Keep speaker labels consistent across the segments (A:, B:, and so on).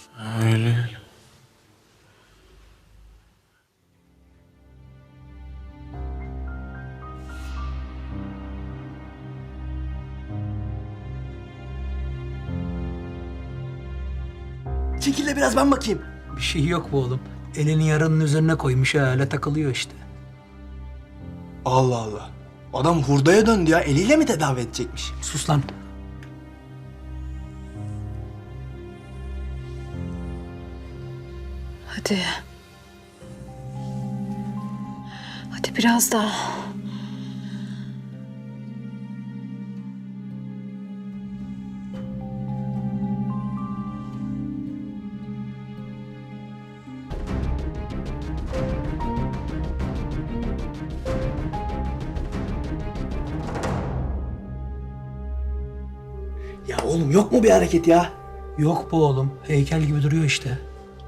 A: Öyle.
B: Çekil de biraz ben bakayım.
C: Bir şey yok bu oğlum. Elini yarının üzerine koymuş ha, öyle takılıyor işte.
B: Allah Allah. Adam hurdaya döndü ya. Eliyle mi tedavi edecekmiş?
C: Sus lan.
D: Hadi. Hadi biraz daha.
B: Ya oğlum yok mu bir hareket ya?
C: Yok bu oğlum. Heykel gibi duruyor işte.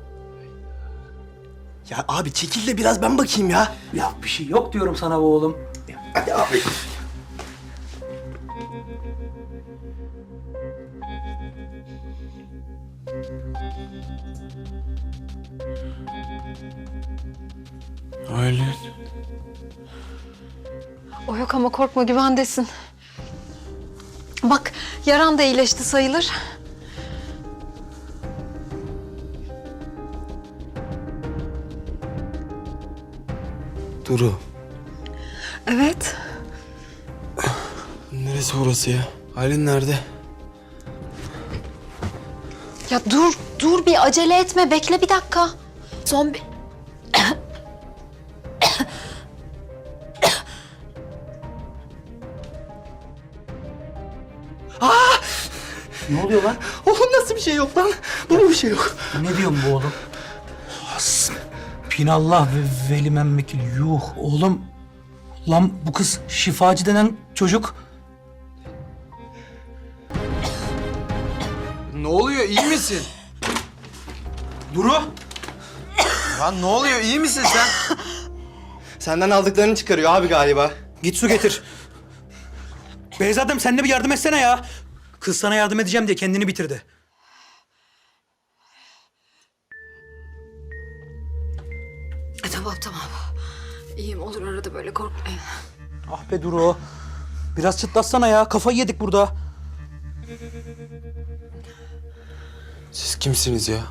B: Ya abi çekil de biraz ben bakayım ya.
C: Ya bir şey yok diyorum sana bu oğlum.
B: Hadi abi.
A: Öyle.
D: O yok ama korkma, güvendesin. Bak, yaran da iyileşti sayılır.
A: Duru.
D: Evet.
A: Neresi orası ya? Aylin nerede?
D: Ya dur bir acele etme. Bekle bir dakika. Son bir...
C: Ne oluyor lan?
B: Oğlum nasıl bir şey yok lan? Bu mu bir şey yok?
C: Ne diyorsun bu oğlum? Hasbinallah ve velimen vekil. Yuh oğlum. Lan bu kız şifacı denen çocuk.
A: Ne oluyor? İyi misin? Duru. Lan ne oluyor? İyi misin sen?
B: Senden aldıklarını çıkarıyor abi galiba.
C: Git su getir. Beyzadem sen de bir yardım etsene ya. Kız sana yardım edeceğim diye kendini bitirdi.
D: Tamam. İyiyim, olur, arada böyle korkmayın.
C: Ah be Duru. Biraz çıtlatsana ya. Kafayı yedik burada.
A: Siz kimsiniz ya?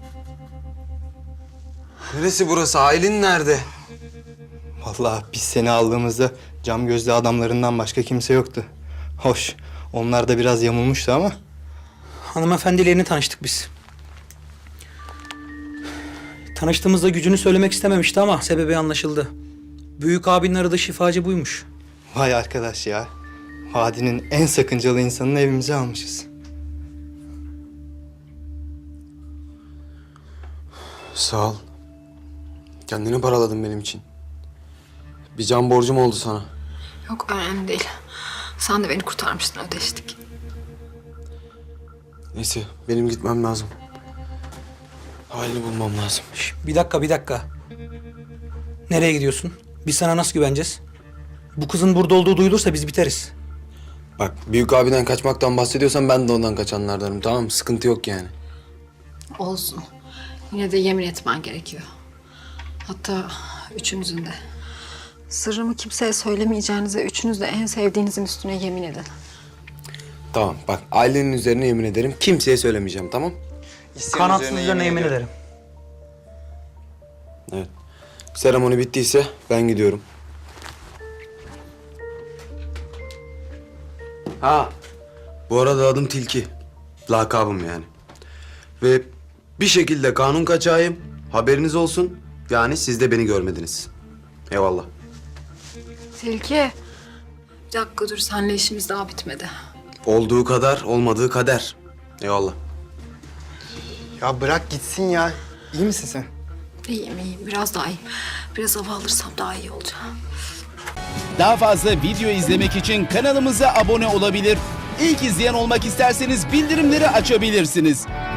A: Neresi burası? Aylin nerede?
B: Vallahi biz seni aldığımızda cam gözlü adamlarından başka kimse yoktu. Hoş. Onlar da biraz yamulmuştu ama.
C: Hanımefendiyle yeni tanıştık biz. Tanıştığımızda gücünü söylemek istememişti ama sebebi anlaşıldı. Büyük abinin aradığı şifacı buymuş.
B: Vay arkadaş ya. Vadinin en sakıncalı insanını evimize almışız.
A: Sağ ol. Kendini paraladın benim için. Bir can borcum oldu sana.
D: Yok, önemli değil. Sen de beni kurtarmıştın, ödeştik.
A: Neyse benim gitmem lazım. Aylin'i bulmam lazım.
C: Şş, bir dakika. Nereye gidiyorsun? Biz sana nasıl güveneceğiz? Bu kızın burada olduğu duyulursa biz biteriz.
A: Bak büyük abiden kaçmaktan bahsediyorsan ben de ondan kaçanlardanım, tamam mı? Sıkıntı yok yani.
D: Olsun. Yine de yemin etmen gerekiyor. Hatta üçünüzün de. Sırrımı kimseye söylemeyeceğinize üçünüz de en sevdiğinizin üstüne yemin edin.
A: Tamam bak ailenin üzerine yemin ederim. Kimseye söylemeyeceğim, tamam?
C: Kanatsız üzerine yemin ederim.
A: Evet. Seremoni bittiyse ben gidiyorum. Ha. Bu arada adım Tilki. Lakabım yani. Ve bir şekilde kanun kaçağıyım. Haberiniz olsun. Yani siz de beni görmediniz. Eyvallah.
D: Tilki. Bir dakika dur, seninle işimiz daha bitmedi.
A: Olduğu kadar, olmadığı kader. Eyvallah.
B: Ya bırak gitsin ya. İyi misin sen?
D: İyiyim, biraz daha iyiyim. Biraz hava alırsam daha iyi olacağım.
E: Daha fazla video izlemek için kanalımıza abone olabilir. İlk izleyen olmak isterseniz bildirimleri açabilirsiniz.